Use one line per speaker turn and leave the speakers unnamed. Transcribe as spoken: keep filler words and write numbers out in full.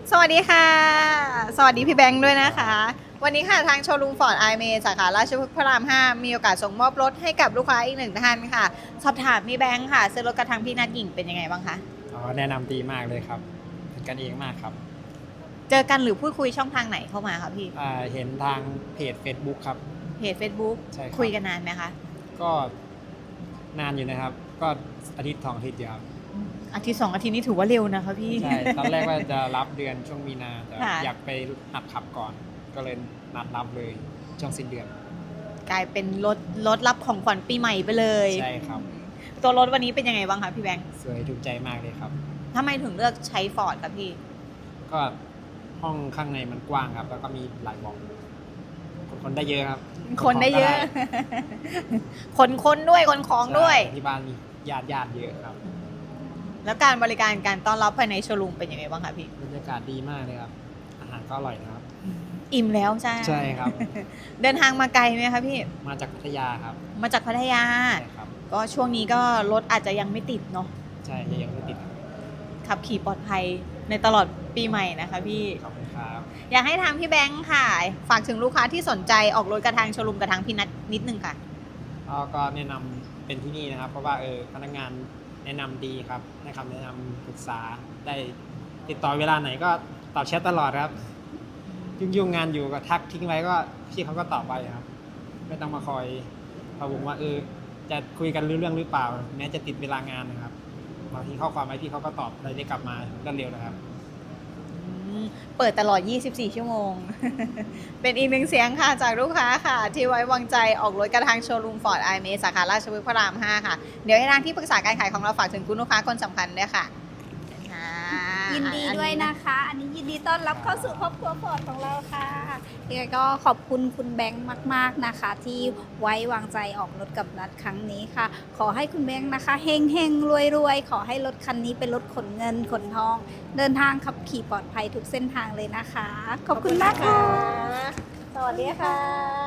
สวัสดีค่ะ สวัสดีพี่แบงค์ด้วยนะคะ วันนี้ค่ะทางโชว์รูมฟอร์ดไอเมสาขาราชพฤกษ์พระราม ห้า มีโอกาสส่งมอบรถให้กับลูกค้าอีกหนึ่งท่านค่ะ สอบถามพี่แบงค์ค่ะซื้อรถกระทางพี่นัดหญิงเป็นยังไงบ้างคะ
อ๋อแนะนำดีมากเลยครับเป็นกันเองมากครับ
เจอกันหรือพูดคุยช่องทางไหนเข้ามาคะพี่
อ่าเห็นทางเพจ Facebook ครับ
เพจ Facebook
ใช่ครับ
คุยกันนานไหมคะ
ก็นานอยู่นะครับ ก็อาทิตย์สองอาทิตย์เดียวครับ
อาทิตย์สองอาทิตย์นี้ถือว่าเร็วนะคะพี่
ใช่ ตอนแรกว่าจะรับเดือนช่วงมีนาแต่
ค่ะ
อยากไปหัดขับก่อน ก็เลยนัดรับเลยช่วงสิ้นเดือน
กลายเป็นรถรถรับของขวัญปีใหม่ไปเลย
ใช่ครับ
ตัวรถวันนี้เป็นยังไงบ้างคะพี่แบงค์
สวยถูกใจมากเลยครับ
ทำไมถึงเลือกใช้ฟอร์ดคะพี่
ก็ห้องข้างในมันกว้างครับ แล้วก็มีหลายเบาะคนได้เยอะครับ
คนได้เยอะ คนคนด้วยคนของด้วย
ใช่ที่บ้านมีญาติญาติเยอะครับ
แล้วการบริการการต้อนรับภายในโชว์รูมเป็นยังไงบ้างคะพี่
บรรยากาศดีมากเลยครับ อาหารก็อร่อยนะครับ
อิ่มแล้วใช่
ใช่ครับ
เดินทางมาไกลไหมคะพี่
มาจากพัทยาครับ
มาจากพัทยา
ใช่ครับ
ก็ช่วงนี้ก็รถอาจจะยังไม่ติดเนาะ
ใช่ยังไม่ติดครับ
ขับขี่ปลอดภัยในตลอดปีใหม่นะคะพี่
ขอบคุณครับ
อยากให้ทางพี่แบงค์ค่ะ ฝากถึงลูกค้าที่สนใจออกรถกระทางโชว์รูมกระทางพี่นัทนิดนึงค่ะ
แล้วก็แนะนำเป็นที่นี่นะครับ เพราะว่าเออพนักงานแนะนำดีครับให้คำแนะนำปรึกษาได้ติดต่อเวลาไหนก็ตอบแชทตลอดครับ ยุ่งๆงานอยู่ก็ทักทิ้งไว้ก็พี่เขาก็ตอบไปครับ ไม่ต้องมาคอยพะวงว่าเออจะคุยกันรู้เรื่องหรือเปล่า แม้จะติดเวลางานนะครับบางทีข้อความไว้พี่เขาก็ตอบอะไรได้กลับมารวดเร็วนะครับ
อืมเปิดตลอด ยี่สิบสี่ ชั่วโมง เป็นอีกหนึ่งเสียงค่ะจากลูกค้าค่ะ ที่ไว้วางใจออกรถกระทางโชว์รูมฟอร์ดไอเมสาขาราชพฤกษ์พระราม ห้า ค่ะ เดี๋ยวให้ทางที่ปรึกษาการขายของเราฝากถึงคุณลูกค้าคนสำคัญด้วยค่ะค่ะ
ยินดีด้วยนะคะ อันนี้ยินดีต้อนรับเข้าสู่ครอบครัวฟอร์ดของเราค่ะยังไงก็ขอบคุณคุณแบงค์มากๆนะคะ ที่ไว้วางใจออกรถกับนัดครั้งนี้ค่ะ ขอให้คุณแบงค์นะคะเฮงเฮงรวยรวยๆ ขอให้รถคันนี้เป็นรถขนเงินขนทอง เดินทางขับขี่ปลอดภัยทุกเส้นทางเลยนะคะ ขอบคุณมากค่ะ
สวัสดีค่ะ